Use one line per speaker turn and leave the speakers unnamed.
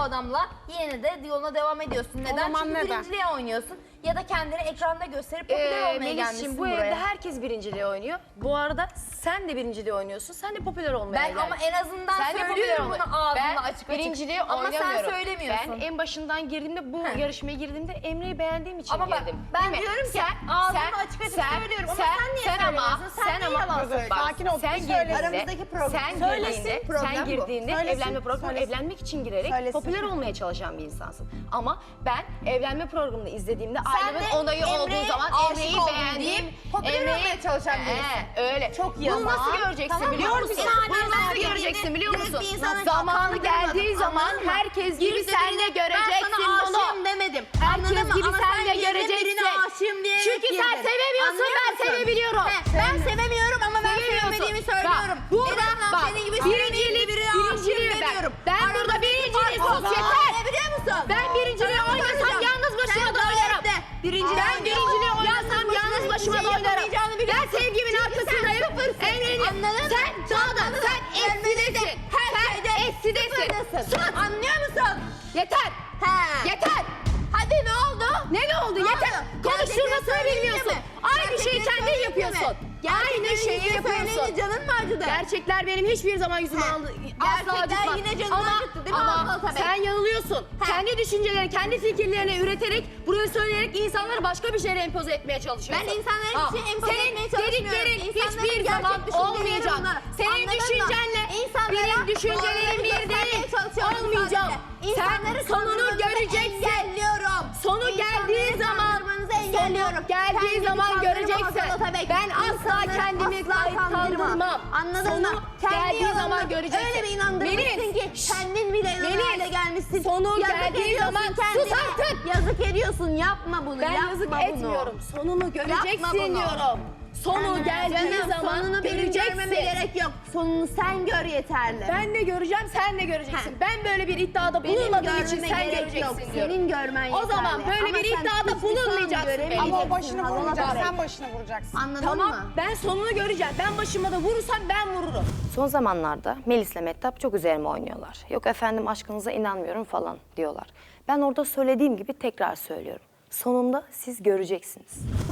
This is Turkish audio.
adamla yine de yoluna devam ediyorsun. Neden?
zaman
Çünkü
neden?
birinciliğe oynuyorsun. Ya da kendini ekranda gösterip popüler olmaya gelmişsin
Melis'ciğim bu
buraya.
evde herkes birinciliği oynuyor. Bu arada sen de birinciliği oynuyorsun. Sen de popüler olmaya
Ben
geldin.
ama en azından
Sen de popüler
söylüyorum
olma-
bunu ağzımla
Ben
açık açık.
birinciliği
Ama
oynamıyorum.
sen söylemiyorsun.
Ben en başından girdiğimde bu yarışmaya girdiğimde Emre'yi beğendiğim için
Ama bak,
girdim.
ben
Değil mi?
diyorum ki ağzımla açık açık söylüyorum ama sen niye söylemiyorsun? Sen niye yalan söylüyorsun?
Bak,
Sakin ol,
sen
bir söyle.
girdiğinde,
Aramızdaki problem.
sen
Söylesin,
girdiğinde,
problem
sen
bu.
girdiğinde
Söylesin,
evlenme programına
söylesin.
evlenmek için girerek
Söylesin.
popüler olmaya çalışan bir insansın. Ama ben evlenme programını izlediğimde
Sen
ailemin
de
onayı olduğu
Emre'ye
zaman
aşık
Emre'yi
oldum
beğendiğim,
deyip popüler olmaya çalışan birisin.
öyle.
Çok
Bunu
yalan.
nasıl göreceksin
Tamam mı?
biliyor musun?
Bir saniye,
Bunu nasıl
saniye.
göreceksin biliyor
Dürüst
musun?
bir insana
Zamanı
kandırmadım,
geldiği zaman
anladın mı?
herkes gibi
Girdi
sen de
birine,
göreceksin
ben sana
bunu.
aşığım demedim.
Herkes
Anladın mı?
gibi
Ama
sen de
girdin,
göreceksin.
birine aşığım diyerek
Çünkü sen
girdin.
sevemiyorsun,
Anlıyor
ben
musun?
sevebiliyorum.
Ben sevemiyorum ama ben
Sevemiyorsun.
sevmediğimi
Bak,
söylüyorum.
burada
Neden
bak,
senin gibi
birinciliği,
birine aşığım
birinciliği
demiyorum.
ben burada birinciliği sus yeter.
Biliyor musun?
Ben birinciliği
Sana
oynasam
soracağım.
yalnız başıma
Sen
da oynarım.
gayet de birinciliği
Ben birinciliği oynasam yalnız başıma da oynarım. Ben sevgimin arkasındayım. Emre'nin sen dağdan, sen eksidesin. Sen eksidesin. Sus.
Anlıyor musun?
Yeter.
He.
Yeter.
Hadi ne oldu?
Ne oldu? Yeter.
oldu?
Konuşturmasını
Gerçekleri
bilmiyorsun.
söyleyince mi?
Aynı şeyi
Gerçekleri
kendin
söyleyince
yapıyorsun.
mi?
Aynı şeyi
Gerçekleri
yapıyorsun.
söyleyince canın mı acıdı?
Gerçekler benim hiçbir zaman yüzümü
He.
asla
Gerçekler
acıtmaz.
yine canını acıttı değil mi
Ama
Aslı Atabey?
sen yanılıyorsun.
He.
Kendi düşüncelerini, kendi fikirlerini üreterek, buraya söyleyerek insanları başka bir şeylere empoze etmeye çalışıyorsun.
Ben insanlara bir şey empoze etmeye
Senin
çalışmıyorum.
dediklerin
İnsanların
hiçbir
gerçek
zaman
düşünceleri
olmayacak.
bunlar.
Senin
Anladın mı?
düşüncenle
İnsanlara
benim düşüncelerim
doğruları
bir
göstermeye
değil.
çalışıyorum
Olmayacak.
sadece.
Sen
İnsanları
sonunu
kandırmanızı
göreceksin.
engelliyorum.
Sonu
İnsanları
geldiği zaman,
kandırmanızı engelliyorum.
sonu geldiği
Kendini
zaman
kandırma
göreceksin.
Hasan Atabek.
Ben asla
İnsanları
kendimi
asla
kandırmam.
Anladın
Sonu
mı? Kendi
geldiği
yalanını
zaman göreceksin.
Öyle bir inandırmışsın
Melis,
ki kendin bile inanır
Melis,
hale gelmişsin.
sonu
Yazık
geldiği
ediyorsun
zaman
kendine.
sus artık.
Yazık ediyorsun. Yapma bunu.
Ben
yapma
yazık
bunu.
etmiyorum. Sonunu göreceksin
Yapma bunu.
diyorum. Sonu geldiği
Canım,
zaman
sonunu benim
göreceksin.
görmeme gerek yok. Sonunu sen gör yeterli.
Ben de göreceğim, sen de göreceksin.
Heh.
Ben böyle bir iddiada
Benim
bulunmadığım için
görmeme
sen
gerek
göreceksin
yok.
diyorum.
Senin görmen yeterli.
O zaman böyle
Ama
bir
sen
iddiada
hiçbir zaman
bulunmayacaksın
göremeyeceksin.
Ama o başını
Hasan
vurmayacak,
Atabey.
sen başını vuracaksın.
Anladın
Tamam,
mı?
ben sonunu göreceğim. Ben başıma da vurursam ben vururum.
Son zamanlarda Melis'le Mehtap çok üzerime oynuyorlar. Yok efendim aşkınıza inanmıyorum falan diyorlar. Ben orada söylediğim gibi tekrar söylüyorum. Sonunda siz göreceksiniz.